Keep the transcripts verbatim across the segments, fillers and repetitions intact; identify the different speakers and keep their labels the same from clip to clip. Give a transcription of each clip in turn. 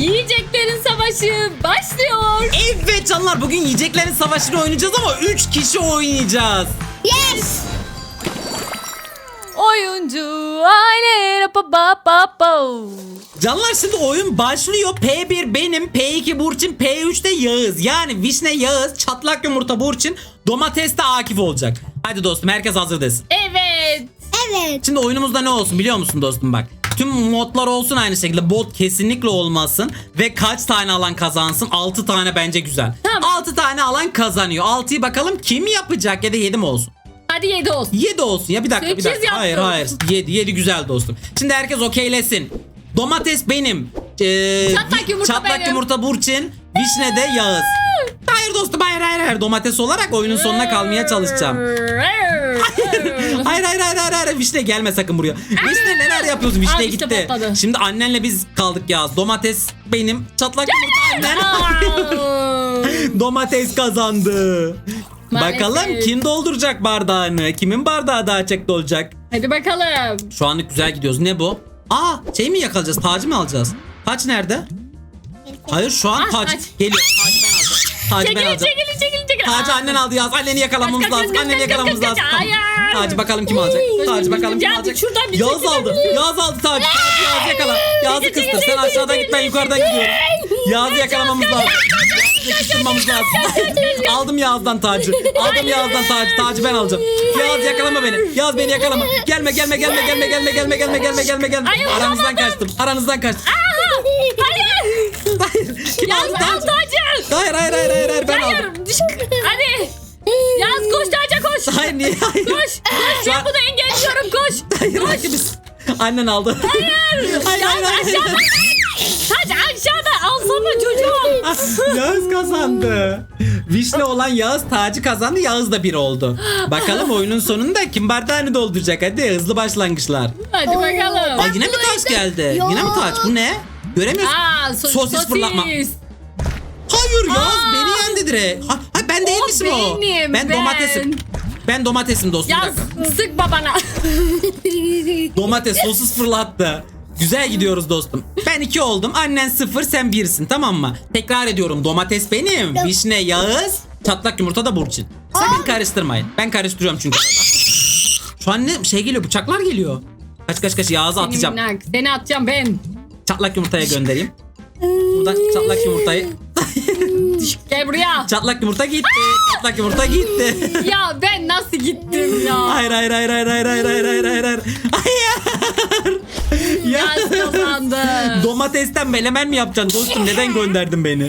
Speaker 1: Yiyeceklerin savaşı başlıyor.
Speaker 2: Evet canlar, bugün yiyeceklerin savaşını oynayacağız ama üç kişi oynayacağız.
Speaker 3: Yes.
Speaker 1: Oyuncu aile pa pa pa pa.
Speaker 2: Canlar şimdi oyun başlıyor. P bir benim, P iki Burçin, P üç de Yağız. Yani Vişne Yağız, çatlak yumurta Burçin, domates de Akif olacak. Hadi dostum, herkes hazır desin.
Speaker 1: Evet.
Speaker 3: Evet.
Speaker 2: Şimdi oyunumuzda ne olsun biliyor musun dostum bak. Tüm modlar olsun aynı şekilde. Bot kesinlikle olmasın. Ve kaç tane alan kazansın? altı tane bence güzel.
Speaker 1: Tamam.
Speaker 2: altı tane alan kazanıyor. altıyı bakalım kim yapacak, ya da yedi mi olsun?
Speaker 1: Hadi yedi olsun.
Speaker 2: yedi olsun ya, bir dakika bir
Speaker 1: Sekiz
Speaker 2: dakika. Hayır
Speaker 1: yaptım.
Speaker 2: hayır. yedi yedi güzel dostum. Şimdi herkes okeylesin. Domates benim. Ee,
Speaker 1: Çatlak yumurta
Speaker 2: çatlak
Speaker 1: benim.
Speaker 2: yumurta Burçin. Vişne de Yağız. Hayır dostum, hayır hayır hayır. Domates olarak oyunun sonuna kalmaya çalışacağım. Hayır hayır hayır hayır hayır. Vişne gelme sakın buraya. Vişne neler yapıyorsun? Vişne
Speaker 1: Al işte
Speaker 2: gitti.
Speaker 1: patladı.
Speaker 2: Şimdi annenle biz kaldık Yağız. Domates benim. Çatlak yumurta annen. Domates kazandı.
Speaker 1: Maalesef.
Speaker 2: Bakalım kim dolduracak bardağını? Kimin bardağı daha çok dolacak?
Speaker 1: Hadi bakalım.
Speaker 2: Şu anlık güzel gidiyoruz. Ne bu? Aa, şey mi yakalayacağız? Tacı mı alacağız? Taç nerede? Hayır, şu an
Speaker 1: Ah,
Speaker 2: taç.
Speaker 1: taç.
Speaker 2: Geliyor. Tacı ben alacağım. Tacı ben
Speaker 1: Çekilin
Speaker 2: alacağım.
Speaker 1: çekilin çekilin çekilin.
Speaker 2: Tacı
Speaker 1: Aa.
Speaker 2: annen aldı Yağız. Anneni yakalamamız
Speaker 1: Kaç, kaç,
Speaker 2: lazım.
Speaker 1: kaç,
Speaker 2: Anneni
Speaker 1: kaç,
Speaker 2: yakalamamız
Speaker 1: kaç,
Speaker 2: lazım.
Speaker 1: kaç,
Speaker 2: Tamam.
Speaker 1: hayır.
Speaker 2: Tacı bakalım kim alacak? Tacı bakalım kim
Speaker 1: Ya,
Speaker 2: alacak?
Speaker 1: şuradan bir
Speaker 2: Yağız
Speaker 1: çekilebilir
Speaker 2: aldı.
Speaker 1: miyim?
Speaker 2: Yağız aldı Tacı. Tacı Yağız yakala. Yağız'ı kıstır. Sen aşağıdan git, ben yukarıdan gidiyorum. Yağız'ı yakalamamız lazım. Yağız'ı kıstırmamız lazım. Aldım Yağız'dan Tacı. Aldım Yağız'dan Tacı. Tacı ben alacağım. Yağız yakalama beni. Yağız beni yakalama. Gelme gelme gelme gelme gelme gelme gelme gelme gelme gelme.
Speaker 1: Ay,
Speaker 2: Aranızdan kaçtım. Aranızdan kaçtım.
Speaker 1: Hayır.
Speaker 2: Hayır. Kim
Speaker 1: Ya
Speaker 2: aldı
Speaker 1: al
Speaker 2: Tacı?
Speaker 1: tacı.
Speaker 2: Hayır hayır hayır hayır hayır, ben aldım.
Speaker 1: Hayır. Düş. Hadi. Yaz koş taca koş.
Speaker 2: Hayır niye hayır?
Speaker 1: Koş. Koş.
Speaker 2: Şu
Speaker 1: Ben
Speaker 2: an-
Speaker 1: bunu engelliyorum. Koş.
Speaker 2: Hayır hayır. biz- Annen aldı. Hayır. Hayır hayır hayır.
Speaker 1: Aşağıda. Tac aşağıda. Alsana çocuğum.
Speaker 2: Yağız kazandı. Vişne olan Yağız, Tacı kazandı. Yağız da bir oldu. Bakalım oyunun sonunda kim bardağını dolduracak? Hadi hızlı başlangıçlar.
Speaker 1: Hadi bakalım.
Speaker 2: Aa, yine mi taç geldi?
Speaker 3: Yok.
Speaker 2: Yine mi taç? Bu ne? Göremiyorsun.
Speaker 1: Aa, so-
Speaker 2: Sosis fırlatma. Hayır Yağız,
Speaker 1: Aa.
Speaker 2: beni yendi direkt. Ha, ha, ben değil
Speaker 1: O
Speaker 2: misin o?
Speaker 1: benim,
Speaker 2: ben
Speaker 1: ben.
Speaker 2: domatesim. Ben domatesim dostum.
Speaker 1: Yaz sık babana.
Speaker 2: Domates sosis fırlattı. Güzel gidiyoruz dostum. Ben iki oldum. Annen sıfır, sen birsin, tamam mı? Tekrar ediyorum. Domates benim. Vişne Yağız. Çatlak yumurta da Burçin. Sakın karıştırmayın. Ben karıştırıyorum çünkü. Şu an ne şey geliyor? Bıçaklar geliyor. Kaç kaç kaç, Yağız'a
Speaker 1: Seni
Speaker 2: atacağım.
Speaker 1: minnak, Seni atacağım ben.
Speaker 2: Çatlak yumurtaya göndereyim. Buradan çatlak yumurtayı.
Speaker 1: Gel buraya.
Speaker 2: Çatlak yumurta gitti. Çatlak yumurta gitti.
Speaker 1: Ya ben nasıl gittim ya?
Speaker 2: Hayır hayır hayır hayır hayır hayır hayır hayır hayır hayır. Hayır. Ya.
Speaker 1: Yaz kazandı.
Speaker 2: Domatesten melemen mi yapacaksın dostum? Neden gönderdin beni?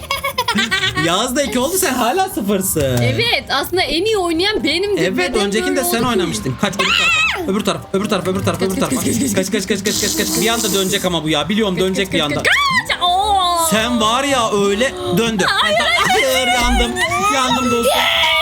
Speaker 2: Yağız da iki oldu, sen hala sıfırsın.
Speaker 1: Evet, aslında en iyi oynayan benimdi.
Speaker 2: Evet,
Speaker 1: Neden
Speaker 2: öncekinde
Speaker 1: böyle
Speaker 2: sen
Speaker 1: oldu ki?
Speaker 2: oynamıştın. Kaç öbür tarafa. Öbür taraf, öbür taraf, öbür taraf, öbür tarafa. Kaç kaç kaç kaç kaç kaç. Bir anda dönecek ama bu ya. Biliyorum dönecek bir anda.
Speaker 1: Kaç! Oo!
Speaker 2: Sen var ya öyle döndü. Hayır, hayır yandım. Yandım dostum.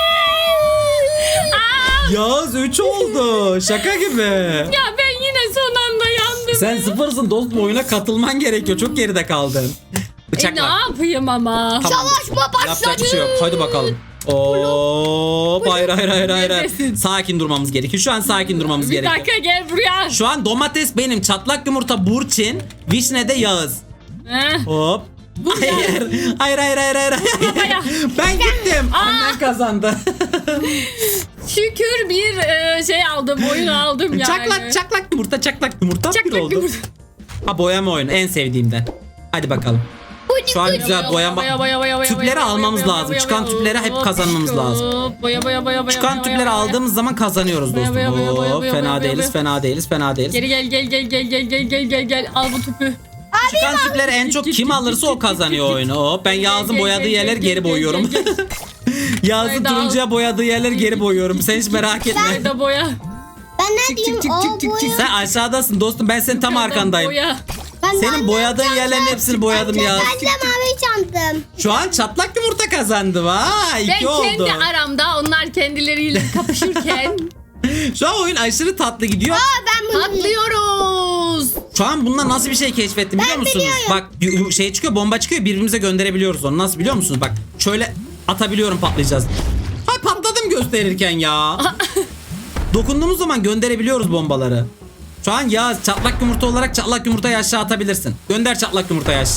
Speaker 1: Aa!
Speaker 2: Yağız üç oldu. Şaka gibi.
Speaker 1: Ya ben yine son anda yandım.
Speaker 2: Sen sıfırsın dostum, oyuna katılman gerekiyor. Çok geride kaldın.
Speaker 1: E,
Speaker 2: Bıçak
Speaker 1: ne
Speaker 2: var.
Speaker 1: yapayım ama?
Speaker 2: Tamam.
Speaker 3: Savaşma başladı.
Speaker 2: Yapacak bir şey yok. Hadi bakalım. Oo, hayır hayır hayır hayır. hayır.
Speaker 1: Neredesin?
Speaker 2: Sakin durmamız gerekiyor. Şu an sakin durmamız
Speaker 1: Bir
Speaker 2: gerekiyor.
Speaker 1: dakika gel buraya.
Speaker 2: Şu an domates benim, çatlak yumurta Burçin, Vişne de Yağız.
Speaker 1: Heh.
Speaker 2: Hop. Hayır. Hayır hayır hayır hayır.
Speaker 1: Babaya.
Speaker 2: Ben gittim. Annen kazandı.
Speaker 1: Şükür bir e, şey aldım, oyun aldım yani.
Speaker 2: Çaklak çaklak yumurta çaklak yumurta bir
Speaker 1: Çaklak
Speaker 2: oldu.
Speaker 1: yumurta.
Speaker 2: Ha, boyama oyunu en sevdiğimden. Hadi bakalım. Şu an güzel boyama.
Speaker 1: Boya, boya, boya, boya,
Speaker 2: Tüpleri
Speaker 1: boya,
Speaker 2: almamız
Speaker 1: boya,
Speaker 2: lazım.
Speaker 1: boya,
Speaker 2: Çıkan
Speaker 1: boya,
Speaker 2: tüpleri hep
Speaker 1: hop,
Speaker 2: kazanmamız
Speaker 1: hop,
Speaker 2: lazım.
Speaker 1: Boya boya boya boya.
Speaker 2: Çıkan
Speaker 1: boya,
Speaker 2: tüpleri
Speaker 1: boya.
Speaker 2: aldığımız zaman kazanıyoruz
Speaker 1: Boya,
Speaker 2: dostum.
Speaker 1: boya, boya, boya,
Speaker 2: Hop,
Speaker 1: boya,
Speaker 2: fena
Speaker 1: boya,
Speaker 2: değiliz,
Speaker 1: boya.
Speaker 2: fena değiliz, fena değiliz.
Speaker 1: Geri gel gel gel gel gel gel gel gel gel al bu tüpü.
Speaker 2: Çıkan tüpleri en çok kim alırsa o kazanıyor oyunu. Hop, ben Yağız'ın
Speaker 1: Gel,
Speaker 2: boyadığı
Speaker 1: gel,
Speaker 2: yerleri
Speaker 1: gel,
Speaker 2: geri
Speaker 1: gel,
Speaker 2: boyuyorum.
Speaker 1: gel, gel.
Speaker 2: Yağız'ın
Speaker 1: Haydi al.
Speaker 2: turuncuya boyadığı yerleri geri boyuyorum. Sen hiç merak etme.
Speaker 1: Nerede boya?
Speaker 3: Ben ne
Speaker 1: Çık,
Speaker 3: diyeyim?
Speaker 1: çık,
Speaker 3: O
Speaker 1: çık, çık,
Speaker 3: boya.
Speaker 1: çık.
Speaker 2: Sen aşağıdasın dostum, ben senin tam arkandayım.
Speaker 1: Boya.
Speaker 3: Ben
Speaker 2: Senin
Speaker 3: annem
Speaker 2: boyadığın
Speaker 3: çantım.
Speaker 2: yerlerin hepsini boyadım ya.
Speaker 3: Ben de mavi çantım.
Speaker 2: Şu an çatlak yumurta kazandı. Vay,
Speaker 1: Ben
Speaker 2: iki oldu.
Speaker 1: kendi aramda onlar kendileriyle kapışırken
Speaker 2: Şu an oyun aşırı tatlı gidiyor.
Speaker 3: Aa, ben bunu
Speaker 1: patlıyoruz.
Speaker 2: Şu an bununla nasıl bir şey keşfettim biliyor musunuz?
Speaker 3: biliyorum.
Speaker 2: Bak yu- yu- şey çıkıyor, bomba çıkıyor, birbirimize gönderebiliyoruz onu. Nasıl biliyor musunuz? Bak şöyle atabiliyorum, patlayacağız. Hay, patladım gösterirken ya. Dokunduğumuz zaman gönderebiliyoruz bombaları. Şu an ya çatlak yumurta olarak çatlak yumurtayı aşağı atabilirsin. Gönder çatlak yumurtayı aşağı.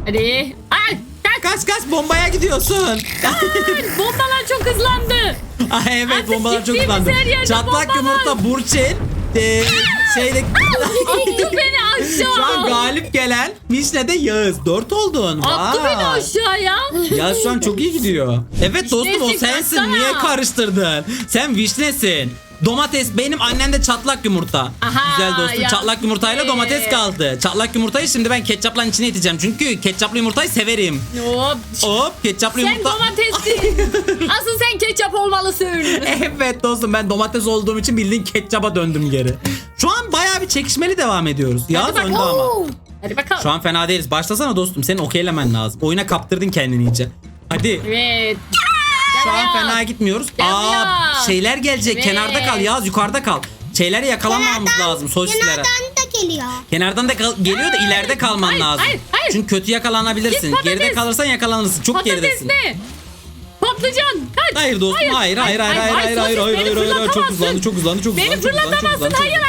Speaker 1: Hadi. Ay. Kaç.
Speaker 2: Kaç kaç bombaya gidiyorsun.
Speaker 1: Bombalar çok hızlandı.
Speaker 2: Ay, evet
Speaker 1: Artık
Speaker 2: bombalar çok
Speaker 1: gittiğimiz
Speaker 2: hızlandı.
Speaker 1: her yerde
Speaker 2: Çatlak
Speaker 1: bomba var.
Speaker 2: yumurta Burçin. E, şeyde
Speaker 1: Attı beni aşağı.
Speaker 2: şu an galip gelen Vişne de Yağız. Dört oldun.
Speaker 1: Attı
Speaker 2: Vay.
Speaker 1: beni aşağıya.
Speaker 2: Ya şu an çok iyi gidiyor. Evet dostum o
Speaker 1: Vişnesin,
Speaker 2: sensin.
Speaker 1: kaçsana.
Speaker 2: Niye karıştırdın? Sen vişnesin. Domates benim, annen de çatlak yumurta.
Speaker 1: Aha,
Speaker 2: Güzel dostum.
Speaker 1: ya.
Speaker 2: Çatlak yumurtayla domates kaldı. Çatlak yumurtayı şimdi ben ketçapla içine iteceğim. Çünkü ketçaplı yumurtayı severim.
Speaker 1: Hop.
Speaker 2: Hop ketçaplı
Speaker 1: Sen
Speaker 2: yumurta.
Speaker 1: domatessin. Asıl sen ketçap olmalısın.
Speaker 2: Evet dostum ben domates olduğum için bildiğin ketçaba döndüm geri. Şu an bayağı bir çekişmeli devam ediyoruz. Yağız
Speaker 1: bakalım.
Speaker 2: önde ama.
Speaker 3: Oo.
Speaker 1: Hadi bakalım.
Speaker 2: Şu an fena değiliz. Başlasana dostum. Senin okeylemen lazım. Oyuna kaptırdın kendini iyice. Hadi.
Speaker 1: Evet.
Speaker 2: Şu an
Speaker 1: Gel
Speaker 2: fena
Speaker 1: ya.
Speaker 2: gitmiyoruz.
Speaker 1: Gel
Speaker 2: Aa
Speaker 1: ya.
Speaker 2: şeyler gelecek.
Speaker 1: Evet.
Speaker 2: Kenarda kal Yağız, yukarıda kal. Şeyleri yakalamamamız
Speaker 3: Kenardan-
Speaker 2: lazım sosislere.
Speaker 3: Kenardan da geliyor.
Speaker 2: Kenardan da kal- geliyor da ileride kalman
Speaker 1: Hayır,
Speaker 2: lazım.
Speaker 1: hayır, hayır.
Speaker 2: Çünkü kötü yakalanabilirsin.
Speaker 1: Git patates.
Speaker 2: Geride kalırsan yakalanırsın. Çok
Speaker 1: Patates
Speaker 2: geridesin.
Speaker 1: ne? Patlıcan. Kaç.
Speaker 2: Hayır dostum hayır hayır hayır hayır hayır hayır hayır
Speaker 1: sosis,
Speaker 2: hayır
Speaker 1: beni
Speaker 2: hayır hayır çok
Speaker 1: fırlatamazsın.
Speaker 2: hızlandı çok hızlandı çok
Speaker 1: Beni
Speaker 2: hızlandı çok hızlandı, çok
Speaker 1: fırlatamazsın.
Speaker 2: hızlandı, çok
Speaker 1: Hayır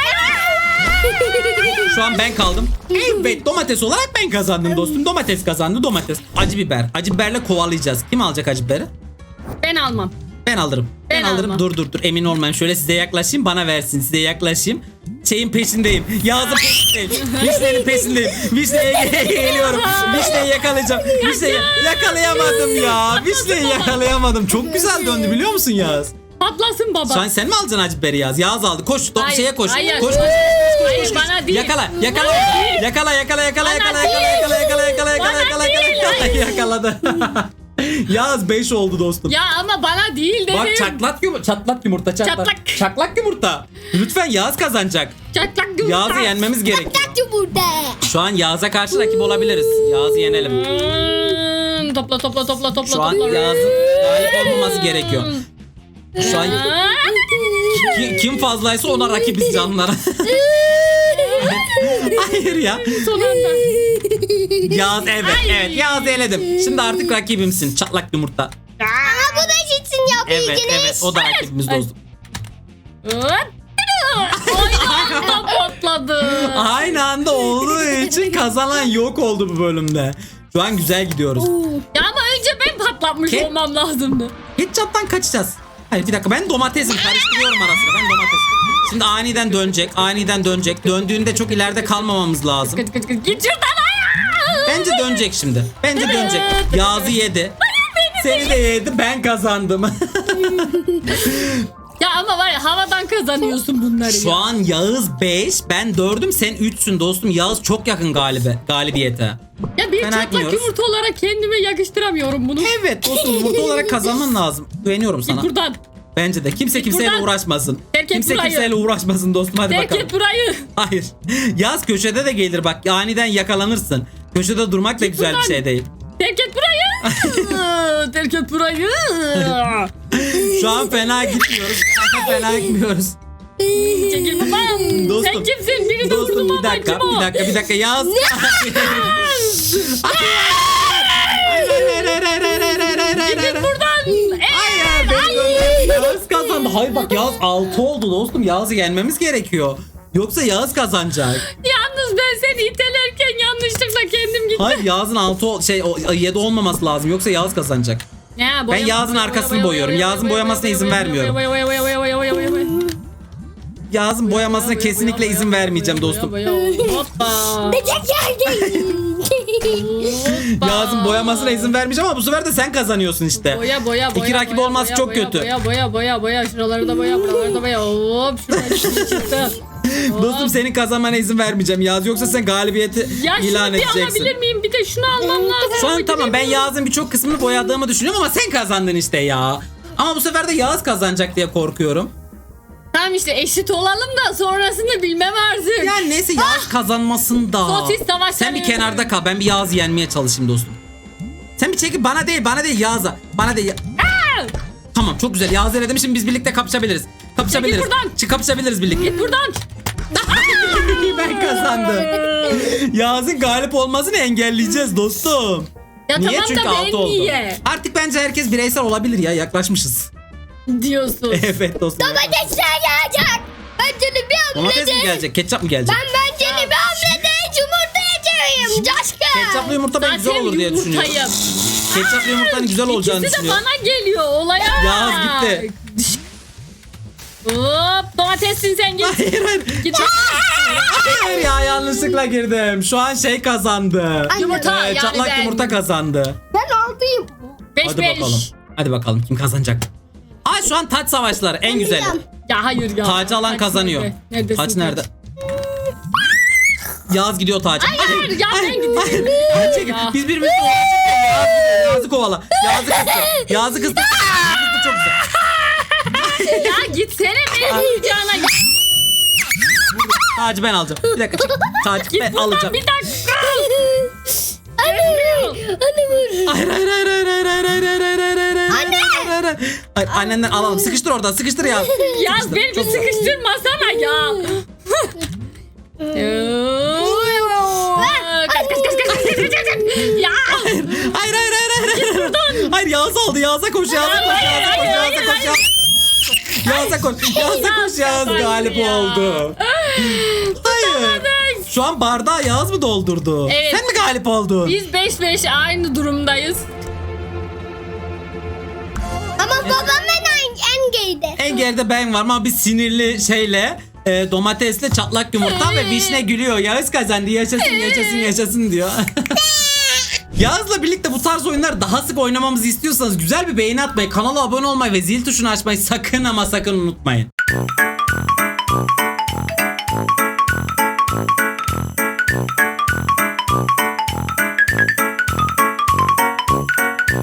Speaker 1: hayır.
Speaker 2: Şu an ben kaldım. Evet domates olarak ben kazandım dostum. Domates kazandı domates. Acı biber. Acı biberle kovalayacağız. Kim alacak acı biberi?
Speaker 1: Ben almam.
Speaker 2: Ben alırım. Ben,
Speaker 1: Ben
Speaker 2: alırım.
Speaker 1: almam.
Speaker 2: Dur dur dur emin olmayayım. Şöyle size yaklaşayım bana versin. Size yaklaşayım. Şeyin peşindeyim. Yağız'ın peşindeyim. Vişnenin peşindeyim. Vişneye geliyorum. Vişneyi yakalayacağım. Vişneyi yakalayamadım ya. Vişneyi yakalayamadım. Çok güzel döndü biliyor musun Yağız?
Speaker 1: Patlasın baba.
Speaker 2: Şu an sen mi alacaksın acı biberi Yağız? Yağız aldı. Koş. Top
Speaker 1: Hayır,
Speaker 2: şeye koş.
Speaker 1: hayır.
Speaker 2: Koş koş.
Speaker 1: Hayır bana değil.
Speaker 2: Yakala, yakala,
Speaker 1: Bana değil.
Speaker 2: yakala, yakala, yakala,
Speaker 1: Bana
Speaker 2: yakala,
Speaker 1: değil.
Speaker 2: yakala, yakala, yakala, yakala,
Speaker 1: Bana
Speaker 2: yakala,
Speaker 1: değil.
Speaker 2: yakala, yakaladı. Yağız beş oldu dostum.
Speaker 1: Ya ama bana değil dedim.
Speaker 2: Bak çatlak yumurta, çatlak yumurta, çatlak.
Speaker 1: Çatlak.
Speaker 2: Çatlak yumurta. Lütfen Yağız kazanacak.
Speaker 1: Çatlak yumurta.
Speaker 2: Yağız'ı yenmemiz gerekiyor.
Speaker 3: Kaç yumurta.
Speaker 2: Şu an Yağız'a karşı rakip olabiliriz. Yağız'ı yenelim.
Speaker 1: Hmm, topla topla topla topla
Speaker 2: Şu an
Speaker 1: topla.
Speaker 2: Yağız'ın galip olmaması gerekiyor. Şu an
Speaker 1: Aa,
Speaker 2: ki- kim fazlaysa ona rakibiz canlara. Hayır ya.
Speaker 1: Son anda.
Speaker 2: Yağız evet
Speaker 1: Ay.
Speaker 2: evet Yağız'ı eledim. Şimdi artık rakibimsin çatlak yumurta.
Speaker 3: Ama bu da gitsin
Speaker 2: Evet
Speaker 3: yapabileceğiniz.
Speaker 2: evet o da rakibimiz
Speaker 1: Ay.
Speaker 2: dostum.
Speaker 1: Hop. Aynı anda patladı.
Speaker 2: Aynı anda olduğu için kazanan yok oldu bu bölümde. Şu an güzel gidiyoruz.
Speaker 1: Ya ama önce ben patlatmış
Speaker 2: Ke-
Speaker 1: olmam lazımdı.
Speaker 2: Ketçaptan kaçacağız. Hayır bir dakika ben domatesim karıştırıyorum arasında ben domates. Şimdi aniden dönecek aniden dönecek. Döndüğünde çok ileride kalmamamız lazım.
Speaker 1: Kıç kıç kıç git şuradan ayağa.
Speaker 2: Bence dönecek şimdi. Bence dönecek. Yağız'ı yedi. Seni de yedi ben kazandım.
Speaker 1: Ya ama var ya havadan kazanıyorsun bunları
Speaker 2: Şu
Speaker 1: ya.
Speaker 2: an Yağız beş ben dördüm sen üçsün dostum. Yağız çok yakın galibe, galibiyete.
Speaker 1: Ya bir
Speaker 2: Fena
Speaker 1: çatlak
Speaker 2: etmiyoruz.
Speaker 1: yumurta olarak kendime yakıştıramıyorum bunu.
Speaker 2: Evet dostum yumurta olarak kazanman lazım. Güveniyorum sana.
Speaker 1: Git buradan.
Speaker 2: Bence de. Kimse kimseyle
Speaker 1: buradan.
Speaker 2: uğraşmasın.
Speaker 1: Terk et
Speaker 2: Kimse
Speaker 1: burayı.
Speaker 2: kimseyle uğraşmasın dostum. Hadi
Speaker 1: Terk
Speaker 2: bakalım.
Speaker 1: et burayı.
Speaker 2: Hayır. Yaz köşede de gelir bak. Aniden yakalanırsın. Köşede durmak da
Speaker 1: Git
Speaker 2: güzel bir
Speaker 1: buradan.
Speaker 2: şey değil.
Speaker 1: Terk et burayı. Terk et burayı.
Speaker 2: Şu an fena gitmiyoruz. fena gitmiyoruz.
Speaker 1: Çekil babam.
Speaker 2: Dostum.
Speaker 1: Sen kimsin? Biri de vurdu
Speaker 2: Dostum bir
Speaker 1: baba.
Speaker 2: dakika.
Speaker 1: Kim o?
Speaker 2: Bir dakika. Bir dakika. Yaz. Hayır, hayır, hayır, hayır, hayır, hayır, hayır, hayır, hayır,
Speaker 1: Git
Speaker 2: hayır.
Speaker 1: buradan. Ee,
Speaker 2: Hayır. beni gönderin. Yağız kazandı. Hayır bak Yağız altı oldu dostum. Yağız'ı yenmemiz gerekiyor. Yoksa Yağız kazanacak.
Speaker 1: Yalnız ben seni itelerken yanlışlıkla kendim gittim.
Speaker 2: Hayır Yağız'ın altı şey o yedi olmaması lazım. Yoksa Yağız kazanacak.
Speaker 1: Ya,
Speaker 2: Ben Yağız'ın arkasını boyuyorum. Yağız'ın boyamasına izin vermiyorum. Yağız'ın boyamasına kesinlikle izin vermeyeceğim dostum.
Speaker 1: Hoppa.
Speaker 3: Böcek geldi.
Speaker 2: Yağız'ın boyamasına izin vermeyeceğim ama bu sefer de sen kazanıyorsun işte.
Speaker 1: Boya boya boya.
Speaker 2: İki rakip
Speaker 1: boya,
Speaker 2: olması
Speaker 1: boya,
Speaker 2: çok
Speaker 1: boya,
Speaker 2: kötü.
Speaker 1: Boya boya boya boya. Şuraları da boya, buraları da boya. Hop şuradan bir şey çıktı. Hop.
Speaker 2: Dostum senin kazanmana izin vermeyeceğim Yağız. Yoksa sen galibiyeti
Speaker 1: Ya
Speaker 2: ilan
Speaker 1: şunu bir
Speaker 2: edeceksin.
Speaker 1: alabilir miyim? Bir de şunu almam lazım.
Speaker 2: Şu an
Speaker 1: Bir
Speaker 2: tamam
Speaker 1: de-
Speaker 2: ben Yağız'ın birçok kısmını boyadığımı düşünüyorum ama sen kazandın işte ya. Ama bu sefer de Yağız kazanacak diye korkuyorum.
Speaker 1: Tamam işte eşit olalım da sonrasını bilmem artık.
Speaker 2: Yani neyse Yağız kazanmasın da.
Speaker 1: Sosis savaşları.
Speaker 2: Sen bir kenarda kal. Ben bir Yağız'ı yenmeye çalışayım dostum. Sen bir çekil bana değil bana değil Yağız'a. Bana değil. Tamam çok güzel. Yağız'ı eledim şimdi biz birlikte kapışabiliriz. Kapışabiliriz.
Speaker 1: Çekil buradan.
Speaker 2: Çık kapışabiliriz birlikte.
Speaker 1: Git buradan.
Speaker 2: Ben kazandım. Yağız'ın galip olmasını engelleyeceğiz dostum.
Speaker 1: Ya
Speaker 2: Niye?
Speaker 1: tamam
Speaker 2: Çünkü
Speaker 1: da
Speaker 2: altı
Speaker 1: ben
Speaker 2: oldu.
Speaker 1: niye?
Speaker 2: Artık bence herkes bireysel olabilir ya yaklaşmışız.
Speaker 1: Diyorsun.
Speaker 2: Evet dostum.
Speaker 3: Domatesler gelecek. Bence de bir
Speaker 2: Domates mi
Speaker 3: hamlede.
Speaker 2: gelecek? Ketçap mı gelecek?
Speaker 3: Ben bence de bir hamlede yumurta Coşkunuyum coşkun.
Speaker 2: Ketçaplı yumurta ben güzel
Speaker 1: Zaten
Speaker 2: olur diye düşünüyorum.
Speaker 1: yumurtayım.
Speaker 2: Ketçaplı yumurtanın güzel olacağını
Speaker 1: İkisi de
Speaker 2: düşünüyorum.
Speaker 1: bana geliyor olaya.
Speaker 2: Yağız gitti.
Speaker 1: Hop domatessin sen git.
Speaker 2: Hayır hayır.
Speaker 1: Git.
Speaker 2: Hayır ya yanlışlıkla girdim. Şu an şey kazandı.
Speaker 1: Yumurta
Speaker 2: Ee,
Speaker 1: yani
Speaker 2: çatlak
Speaker 1: ben.
Speaker 2: yumurta kazandı.
Speaker 3: Ben altıyım.
Speaker 1: Beş
Speaker 2: Hadi
Speaker 1: beş.
Speaker 2: bakalım. Hadi bakalım kim kazanacak? Aa şu an taç savaşları en güzeli.
Speaker 3: biliyorum.
Speaker 1: Ya hayır ya.
Speaker 2: Tacı alan
Speaker 1: Taç
Speaker 2: kazanıyor.
Speaker 1: nerede? Neredesin
Speaker 2: Taç nerede? Yağız gidiyor taç.
Speaker 1: Hayır ya ben gideyim.
Speaker 2: Hayır, çekil.
Speaker 1: Ya.
Speaker 2: Biz birbirimizi kovalayacağız. Yağız gidiyor. Yağız'ı kovala. Yağız'ı kıstı. Yağız'ı kıstı. Yağız'ı kıstı çok güzel.
Speaker 1: Ya gitsene benim yiyeceğine.
Speaker 2: Tacı ben alacağım. Bir dakika çek. Tacı ben
Speaker 1: Buradan
Speaker 2: alacağım.
Speaker 1: bir dakika.
Speaker 3: Anne. Anne vur.
Speaker 2: Hayır hayır hayır hayır hayır hayır hayır hayır hayır hayır hayır
Speaker 3: Anne!
Speaker 2: hayır hayır hayır. Hayır annenden alalım. Sıkıştır oradan. Sıkıştır ya.
Speaker 1: Ya beni bir sıkıştırmasana ya. Kaç kaç kaç kaç kaç kaç kaç kaç. Ya.
Speaker 2: Hayır hayır hayır hayır. Hayır, hayır Yağız aldı. Yağız'a koş. Yağız'a koş.
Speaker 1: Hayır,
Speaker 2: Yağız'a koş.
Speaker 1: hayır,
Speaker 2: Yağız'a
Speaker 1: hayır,
Speaker 2: koş. Yağız'a koş. Yağız'a koş. Yağız
Speaker 1: kazandı
Speaker 2: galip
Speaker 1: ya.
Speaker 2: oldu. Hayır. Şu an bardağı Yağız mı doldurdu?
Speaker 1: Evet.
Speaker 2: Sen mi galip oldun?
Speaker 1: Biz beş beş aynı durumdayız.
Speaker 3: Ama babam en, en geride.
Speaker 2: En geride ben varım ama bir sinirli şeyle e, domatesle çatlak yumurta ve vişne gülüyor. Yağız kazandı yaşasın yaşasın yaşasın diyor. Yağız'la birlikte bu tarz oyunlar daha sık oynamamızı istiyorsanız güzel bir beğeni atmayı, kanala abone olmayı ve zil tuşunu açmayı sakın ama sakın unutmayın.